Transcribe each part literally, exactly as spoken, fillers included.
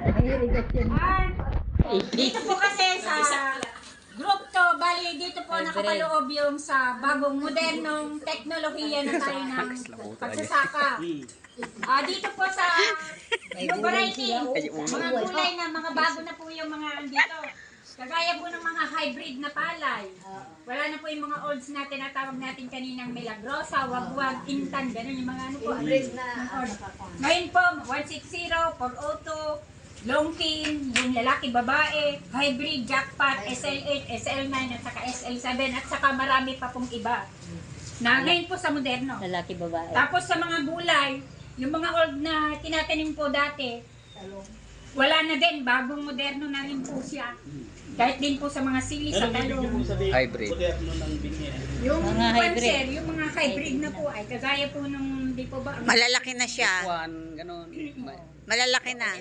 Ah, dito po kasi sa group to, bali dito po nakapaloob yung sa bagong modernong teknolohiya na tayo ng pagsasaka. Ah, dito po sa yung variety, mga gulay na mga bago na po yung mga dito. Kagaya po ng mga hybrid na palay. Wala na po yung mga olds na tinatawag natin kaninang milagrosa, wagwag, intan, ganun yung mga ano po. Ngayon po, one sixty, four oh two, Longkin, yung lalaki, babae, hybrid, jackpot, S L eight, S L nine, at saka S L seven, at saka marami pa pong iba. Na ngayon po sa moderno. Lalaki, babae. Tapos sa mga gulay, yung mga old na tinatanim po dati, wala na din, bagong moderno na rin po siya. Kahit din po sa mga sili, sa talong. Hybrid. Yung Mga hybrid. panser, yung mga hybrid na po ay kagaya po nung, di po ba? Malalaki na siya. One, ganun. Malalaki na.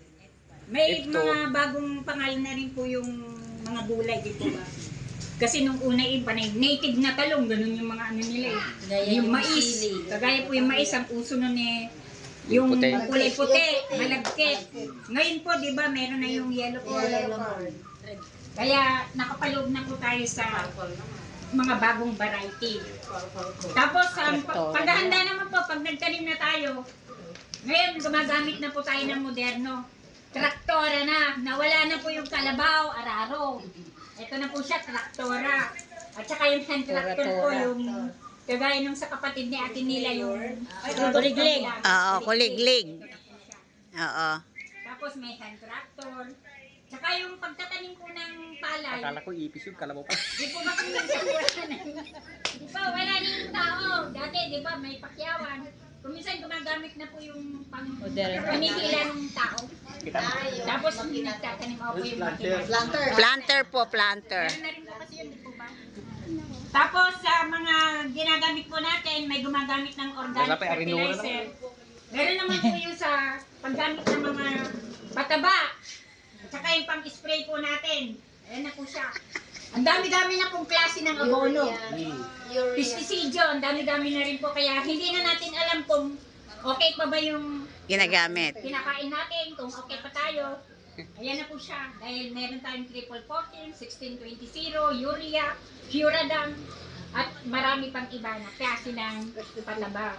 May Ito. mga bagong pangalan na rin po yung mga gulay, di po ba? Kasi nung una iba na native na talong, ganun yung mga ano nila eh. Gaya Yung yung mais, sili. kagaya po yung mais, ang uso nun eh, yung Puti. kulay puti, malagkit. Ngayon po, di ba, meron na yung yellow corn. Kaya nakapaloob na po tayo sa mga bagong variety. Tapos, um, pag- paghahanda naman po, pag nagtanim na tayo, ngayon gumagamit na po tayo ng moderno. Traktora na, nawala na po yung kalabaw, araro. Ito na po siya, traktora. At saka yung hand tractor po, yung kagaya nung sa kapatid ni Ate Nila, yung Kuliglig. Oo, kuliglig. Oo. Tapos may hand tractor. Tsaka yung pagtatanim po ng palay. Akala ko ipis yung kalabaw pa. Di po ba kung minsan wala na? Di ba, wala na yung tao. Dati, di ba, may pakyawan. Kung minsan gumagamit na po yung pang Modern. panikila ng tao. Tapos nagtatanim ako po yung makina. Planter po, planter. Meron na rin po kasi yun, di po ba? Tapos sa mga ginagamit po natin, may gumagamit ng organic Wala pa, arinura fertilizer. Meron naman po yung sa paggamit ng mga pataba. At saka yung pang-spray po natin. Ayan na po siya. Ang dami-dami na pong klase ng abono. Pesticide, ang dami-dami na rin po. Kaya hindi na natin alam kung okay pa ba yung Ginagamit. kinakain natin, kung okay pa tayo. Ayan na po siya. Dahil meron tayong triple fourteen, sixteen twenty, urea, Furadam, at marami pang iba na klase ng pataba.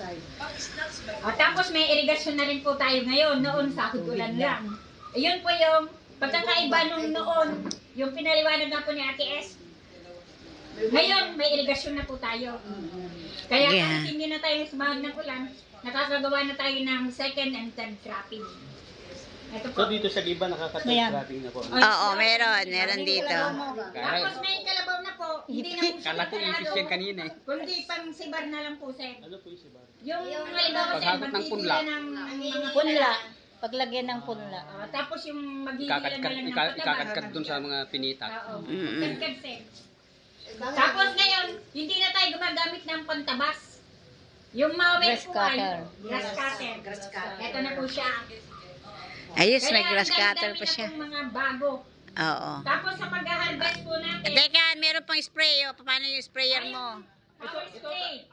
At tapos may irigasyon na rin po tayo ngayon. Noon sa ulan lang. Ayun po yung pagkakaiba nung noon, yung pinaliwanag nga po ni Ate S. Ngayon, may irigasyon na po tayo. Kaya Yeah. kahit hindi na tayo sumahag ng ulan, nakakagawa na tayo ng second and third cropping. Ito po. So dito sa Giba nakaka-trapping na po. Oo, meron. Meron dito. Tapos may kalabaw na po, hindi na po siya Kala ko ipis yan kanina eh. kundi pang sibar na lang po, sir. Ano po yung sibar? Yung halimbawa, sir, Paghagot ng punla. magtitila ng mga Punla. Paglagyan ng punla. Ah, tapos yung magigila na Ikakadkad, lang ng ika- pataba. ikakadkad dun sa mga pinita. Oo. Mm-mm. Kadkad, sir. Tapos ngayon, hindi na tayo gumagamit ng pantabas. Yung mawet Grass po ay cutter. grass cutter. Ito na po siya. Ayos, may Kaya grass ang cutter dami-dami pa na siya. pong mga bago. Oo. Tapos sa pag-harvest po natin, Teka, meron pang spray. O, paano yung sprayer mo? power spray.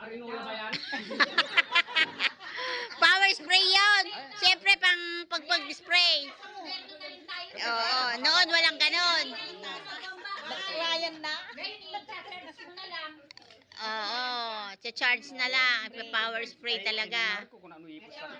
Power spray yun! Siyempre, pang pagpag-spray. Oo, noon walang ganon. Ryan na. Ngayon, i-charge mo na lang. Oo, charge na lang. Power spray talaga. Kung ano ipis ka.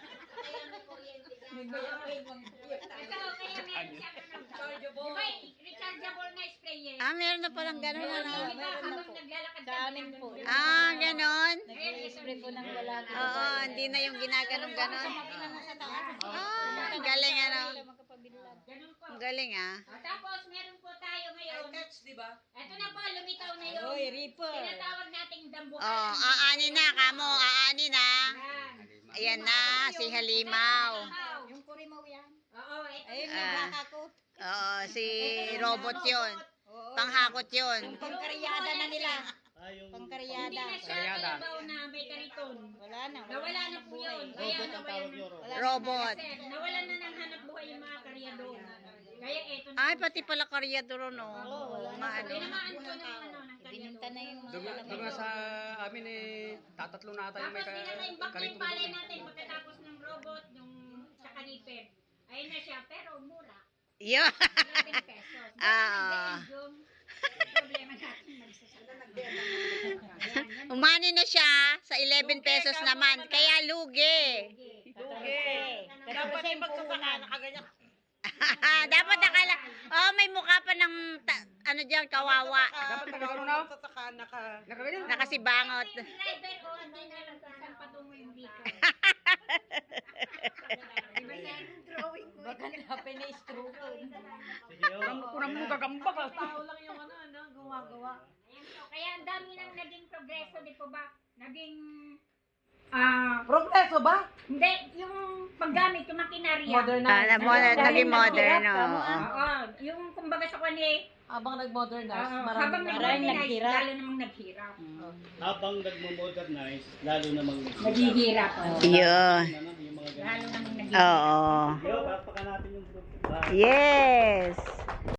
Ito, kaya meron siya rechargeable. Diba, rechargeable na spray eh. Ah, meron na palang ganon. Yung Ano? iba, habang naglalakad ka, Amin po. Ah, ganon. Spray po ng wala. Oo, hindi na yung ginaganong-ganon. Ah, ang galing ano. ganun po. Ang galing ah. Ah, tapos, meron po tayo ngayon. Ito na po, lumitaw na yun. Oy, Reaper. Tinatawag nating dambukan. Oh, aani na kamo, aani na. Yan. Ayan na, si Halimaw. Yung kurimaw yan. Oo, ito. Ayun, Ah. nagbakako. Oo, si robot yun. Panghakot yun. Pangkaryada na nila. Hindi Pangkaryada. na siya kalabaw na may kariton. Wala na. Nawala na po yun. Kaya nawalan na. Robot. Kasi nawalan na ng hanap buhay yung mga karyador. Kaya eto na. Ay, pati pala karyadoro, no? Oo, nga, ano. Tinamaan ko ng ano, ng Bininta karyador. na yung Doon nga- doon nga sa amin eh, tatatlo na tayo may Tapos pinaka-imbak na yung karitong palay doon. natin pagkatapos ng robot, yung sa kaniper. Ayun na siya, pero mura. Yun. eleven pesos. Ah. Dahil yung problema natin magsasala. Umani na siya sa eleven pesos naman. Kaya lugi. Dapat ay magsasaka na kaganyan. Dapat nakala. Oh, may mukha pa ng ta- ano diyan kawawa. Dapat nagkakaroon na. Nakaganyan. Nakasibangot. Driver o hindi na lang kung saan patungo yung dito. Diba siya yung drawing ko? Baka napin na stroke. Kunang mo gagamba ka. Tao lang yung ano, ano, gumagawa. Ayan po. Kaya ang dami nang naging progreso, di po ba? Naging, ah, Progreso ba? hindi, yung paggamit, yung makinarya. Ah, na modern, naging modern. Oo. Oo, yung kumbaga sa kanya, Habang nag-modernize, uh, maraming habang maraming nag-modernize, naghirap. lalo namang naghirap. Habang nagmo-modernize, lalo namang Naghihirap. oo. Yun. yung mga ganun. Lalo namang naghihirap. Oo. Yo, palakpakan natin yung group. Ah, Yes.